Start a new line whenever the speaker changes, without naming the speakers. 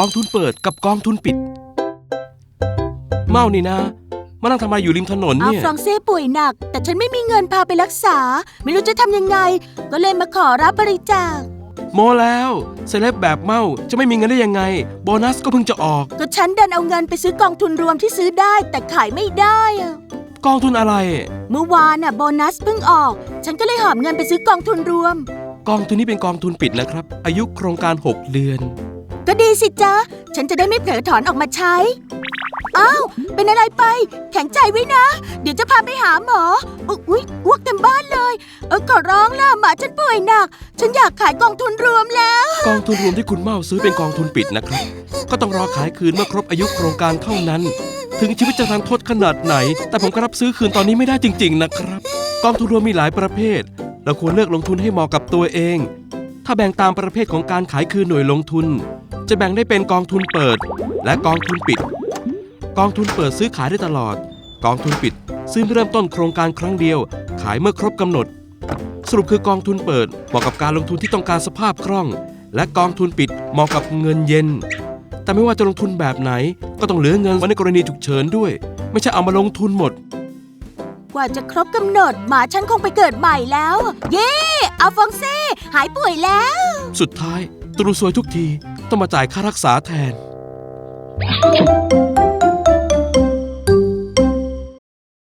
องทุนเปิดกับกองทุนปิดเมานี่นะมานั่งทำอะไรอยู่ริมถนนเนี่ย
ฟรองเซ่ป่วยหนักแต่ฉันไม่มีเงินพาไปรักษาไม่รู้จะทำยังไงก็เลยมาขอรับบริจาค
โมแล้วเซเลบแบบเมาจะไม่มีเงินได้ยังไงโบนัสก็เพิ่งจะออก
ก็ฉันดันเอาเงินไปซื้อกองทุนรวมที่ซื้อได้แต่ขายไม่ได้
กองทุนอะไร
เมื่อวานโบนัสเพิ่งออกฉันก็เลยหอบเงินไปซื้อกองทุนรวม
กองทุนนี้เป็นกองทุนปิดนะครับอายุโครงการ6เดือน
ก็ดีสิจ๊ะฉันจะได้ไม่เผลอถอนออกมาใช้อ้าวเป็นอะไรไปแข็งใจไว้นะเดี๋ยวจะพาไปหาหมออุ๊ยอ้วกเต็มบ้านเลยขอร้องล่ะหมาฉันป่วยหนักฉันอยากขายกองทุนรวมแล้ว
กองทุนรวมที่คุณเมาซื้อเป็นกองทุนปิดนะครับก็ต้องรอขายคืนเมื่อครบอายุโครงการเท่านั้นถึงชีวิตจะรันทดขนาดไหนแต่ผมก็รับซื้อคืนตอนนี้ไม่ได้จริงๆนะครับกองทุนรวมมีหลายประเภทเราควรเลือกลงทุนให้เหมาะกับตัวเองถ้าแบ่งตามประเภทของการขายคืนหน่วยลงทุนจะแบ่งได้เป็นกองทุนเปิดและกองทุนปิดกองทุนเปิดซื้อขายได้ตลอดกองทุนปิดซื้อเริ่มต้นโครงการครั้งเดียวขายเมื่อครบกำหนดสรุปคือกองทุนเปิดเหมาะกับการลงทุนที่ต้องการสภาพคล่องและกองทุนปิดเหมาะกับเงินเย็นแต่ไม่ว่าจะลงทุนแบบไหนก็ต้องเหลือเงินไว้ในกรณีฉุกเฉินด้วยไม่ใช่เอามาลงทุนหมด
กว่าจะครบกำหนดหมาฉันคงไปเกิดใหม่แล้วเย้อัลฟองเซ่หายป่วยแล้ว
สุดท้ายตรูซวยทุกทีต้องมาจ่ายค่ารักษาแทน